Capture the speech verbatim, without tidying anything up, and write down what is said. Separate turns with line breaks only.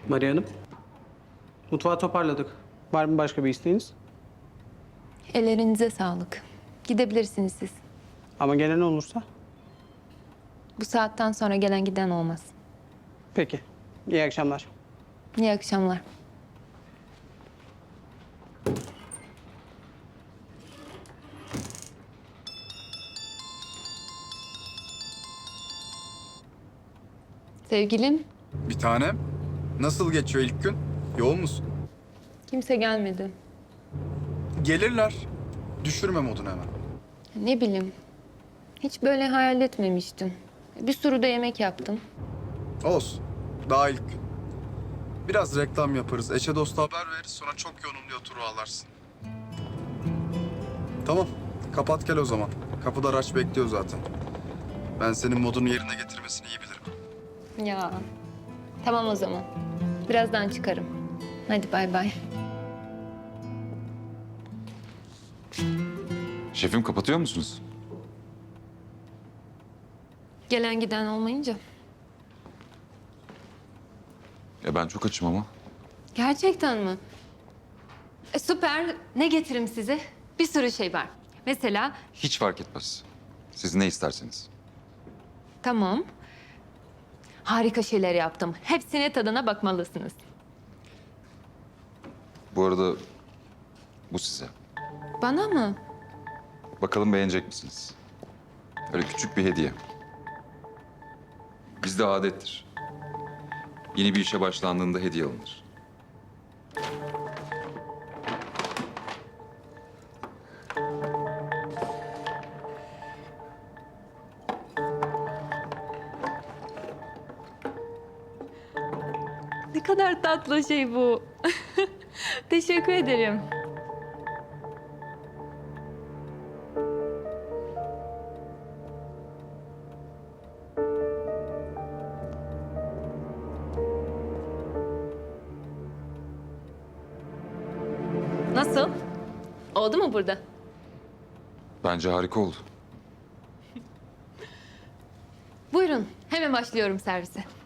Maria Hanım, mutfağı toparladık. Var mı başka bir isteğiniz?
Ellerinize sağlık. Gidebilirsiniz siz.
Ama gelen olursa?
Bu saatten sonra gelen giden olmaz.
Peki. İyi akşamlar.
İyi akşamlar. Sevgilim,
Bir tanem. Nasıl geçiyor ilk gün? Yoğun musun?
kimse gelmedi.
Gelirler. Düşürme modunu hemen.
Ne bileyim, hiç böyle hayal etmemiştim. Bir sürü de yemek yaptım.
Olsun. Daha ilk gün. Biraz reklam yaparız. Eşe dosta haber veririz. Sonra çok yoğunum diye oturu alarsın. Tamam. Kapat gel o zaman. Kapıda araç bekliyor zaten. Ben senin modunu yerine getirmesini iyi bilirim.
Ya, tamam o zaman. Birazdan çıkarım. Hadi bay bay.
Şefim kapatıyor musunuz?
Gelen giden olmayınca.
Ya ben çok açım ama.
Gerçekten mi? E, süper. Ne getireyim size? Bir sürü şey var. Mesela
Hiç fark etmez. Siz ne isterseniz.
tamam. Harika şeyler yaptım. Hepsine tadına bakmalısınız.
Bu arada bu size.
Bana mı?
Bakalım beğenecek misiniz? Öyle küçük bir hediye. Bizde adettir. Yeni bir işe başlandığında hediye alınır.
Ne kadar tatlı şey bu. Teşekkür ederim. Nasıl? Oldu mu burada?
Bence harika oldu.
Buyurun, hemen başlıyorum servise.